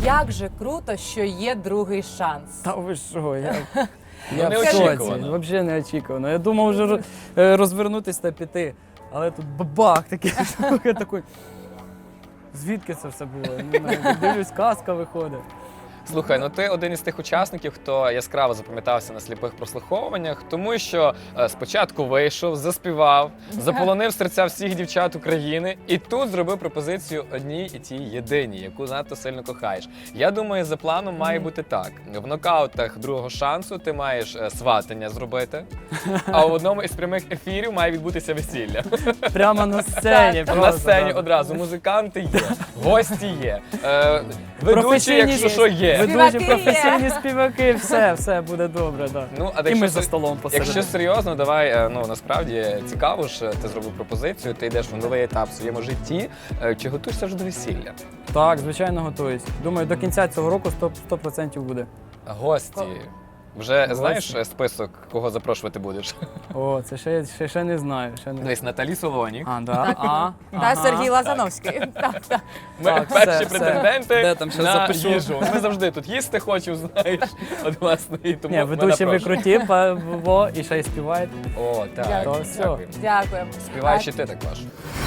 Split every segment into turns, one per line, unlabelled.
Як же круто, що є другий шанс.
Та ви що,
Ну,
я в
неочікувано.
шоці, взагалі неочікувано. Я думав вже розвернутися та піти, але тут бабах такий, я такий, звідки це все було? Дивлюсь, казка виходить.
Слухай, ну ти один із тих учасників, хто яскраво запам'ятався на сліпих прослуховуваннях, тому що спочатку вийшов, заспівав, заполонив серця всіх дівчат України і тут зробив пропозицію одній і тій єдиній, яку надто сильно кохаєш. Я думаю, за планом має бути так. В нокаутах другого шансу ти маєш сватання зробити, а в одному із прямих ефірів має відбутися весілля.
Прямо на сцені.
Так.
На сцені одразу музиканти є, гості є, ведучі, якщо що, є.
Ведучі,
Співаки
професійні співаки, все буде добре. Да.
Ну, а
І ми
якщо
за столом посередині.
Якщо серйозно, давай, ну насправді цікаво ж, ти зробив пропозицію, ти йдеш в новий етап в своєму житті. Чи готуєшся вже до весілля?
Так, звичайно, готуюсь. Думаю, до кінця цього року 100% буде.
Гості. Вже знаєш список, кого запрошувати будеш?
О, це ще не знаю.
Дивись, Наталі Солонік.
А, да?
Та Сергій Лазановський. Так.
Ми
Так,
перші
все.
претенденти
Де там, щас
на
запишу.
їжу. Ми завжди тут їсти хочемо, знаєш. От, власне, і тому
Ні,
ми
ведучі ви
напрошуємо.
круті, і ще й співаєте.
О, так.
Дякую.
То все.
Дякую.
Дякую.
Співаєш і ти також.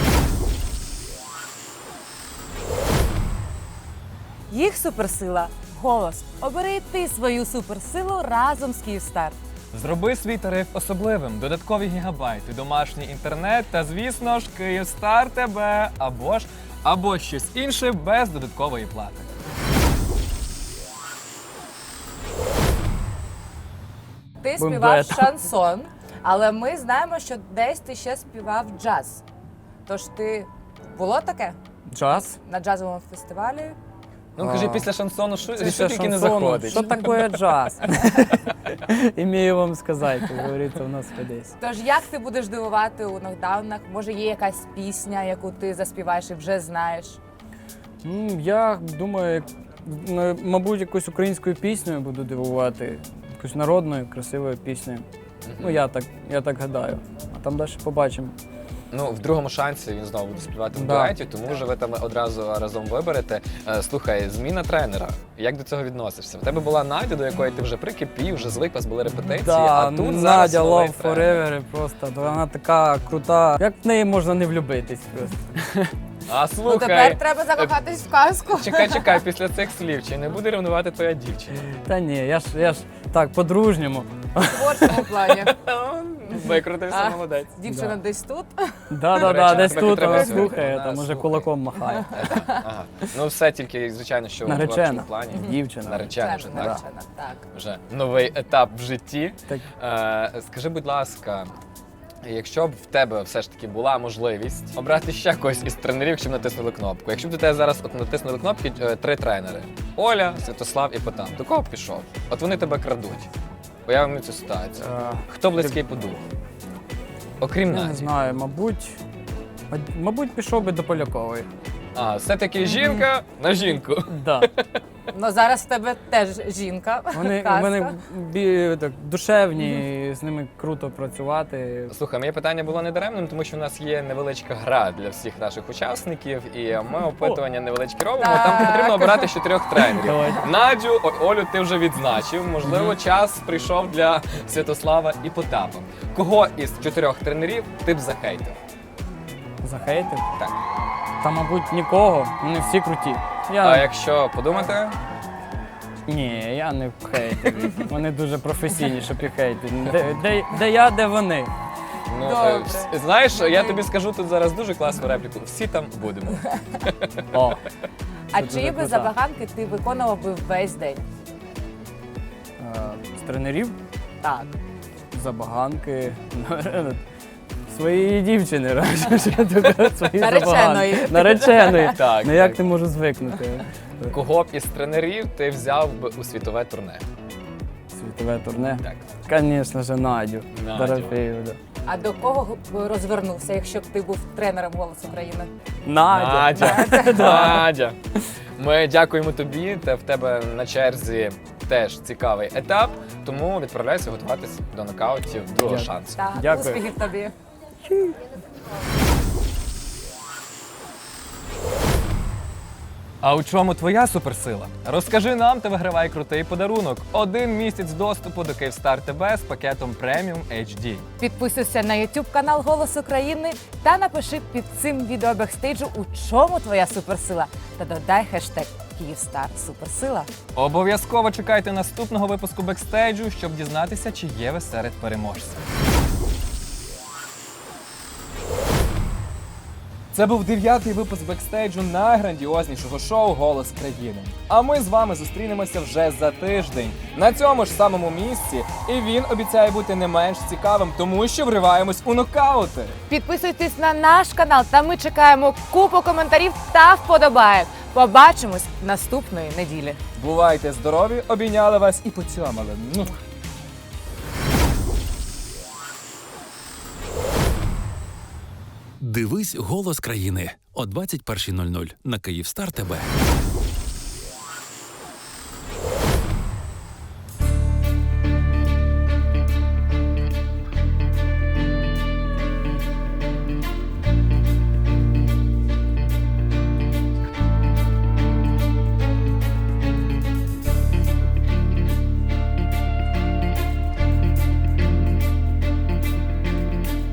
Їх суперсила – голос. Обери і ти свою суперсилу разом з Київстар.
Зроби свій тариф особливим, додаткові гігабайти, домашній інтернет та, звісно ж, Київстар тебе або щось інше без додаткової плати.
Ти
Будем
співав
дуетом.
шансон, але ми знаємо, що десь ти ще співав джаз. Тож було таке
Джаз.
на джазовому фестивалі?
Ну, кажи, після шансону, що
Після
тільки не
шансону,
заходить?
Що таке джаз? Імію вам сказати, як говориться у нас десь.
Тож як ти будеш дивувати у нокдаунах? Може є якась пісня, яку ти заспіваєш і вже знаєш?
Я думаю, мабуть, якусь українською піснею буду дивувати. Якусь народною, красивою піснею. Ну, я так гадаю. А там далі побачимо.
Ну, в другому шансі він знову буде співати в
Да.
дуеті, тому вже ви там одразу разом виберете. Слухай, зміна тренера. Як до цього відносишся? В тебе була Надя, до якої ти вже прикипів, вже звик, у вас були репетиції, а тут зараз
Надя
новий
Love
тренер.
Forever просто. Вона така крута. Як в неї можна не влюбитись просто?
А
Ну
слухай,
тепер треба закохатись в казку.
чекай, після цих слів, чи не буде ревнувати твоя дівчина?
Та ні, я ж так, по-дружньому.
В творчому плані.
Викрутився,
А.
молодець.
Дівчина десь тут.
Да,
речі,
десь
тебе
тут
підтримує
вона
сьогодні.
слухає,
Вона
там уже
слухає.
кулаком махає.
Ага. Ну все тільки, звичайно, що в
Наречена.
творчому плані.
Дівчина.
Наречена вже, так?
Наречена, так.
Вже новий етап в житті.
Так.
Скажи, будь ласка, якщо б в тебе все ж таки була можливість обрати ще когось із тренерів, щоб натиснули кнопку. Якщо б до тебе зараз натиснули кнопки 3 тренери: Оля, Святослав і Потап, до кого б пішов? От вони тебе крадуть. Уявимо цю ситуацію. Хто близький по духу? Окрім
Я не
Наді.
знаю, мабуть, пішов би до Полякової.
А, все-таки жінка на жінку.
Да.
Ну зараз в тебе теж жінка. казка.
Вони так, душевні, з ними круто працювати.
Слухай, моє питання було недаремним, тому що в нас є невеличка гра для всіх наших учасників, і ми опитування невеличкі робимо.
Так.
Там потрібно обирати з 4 тренерів.
Давай.
Надю, Олю ти вже відзначив. Можливо, час прийшов для Святослава і Потапа. Кого із 4 тренерів ти б захейтив?
Захейтив?
Так.
Та, мабуть, нікого. Вони всі круті.
А якщо подумати,
Ні, я не хейтив їх. Вони дуже професійні, щоб їх хейтити. Де я, де вони.
ну
Добре.
знаєш, я тобі скажу тут зараз дуже класну репліку. Всі там будемо.
О,
А
Це
чиї
дуже
би
круто.
забаганки ти виконував би весь день?
з тренерів
Так.
забаганки. Своєї дівчини, свої
Нареченої.
забаганки. Нареченої.
Так,
Ну як
так.
ти можеш звикнути?
Кого б із тренерів ти взяв би у світове турне?
Світове турне?
Так.
Звісно ж, Надю.
Надю.
Дорофеєву, да.
А до кого б розвернувся, якщо б ти був тренером «Голос України»?
Надя.
Надя. Ми дякуємо тобі, та в тебе на черзі теж цікавий етап, тому відправляйся готуватись до нокаутів другого
Дякую.
шансу.
Так,
Дякую.
успіхів тобі.
А у чому твоя суперсила? Розкажи нам та вигравай крутий подарунок. 1 місяць доступу до Київстар ТБ з пакетом Premium HD.
Підписуйся на YouTube канал Голос України та напиши під цим відео бекстейджу, у чому твоя суперсила. Та додай хештег Київстар Суперсила.
Обов'язково чекайте наступного випуску бекстейджу, щоб дізнатися, чи є ви серед переможців. Це був 9-й випуск бекстейджу найграндіознішого шоу «Голос країни». А ми з вами зустрінемося вже за тиждень на цьому ж самому місці. І він обіцяє бути не менш цікавим, тому що вриваємось у нокаути.
Підписуйтесь на наш канал, та ми чекаємо купу коментарів та вподобаєк. Побачимось наступної неділі.
Бувайте здорові, обійняли вас і поцьомали.
Дивись «Голос країни» о 21:00 на Київстар ТБ.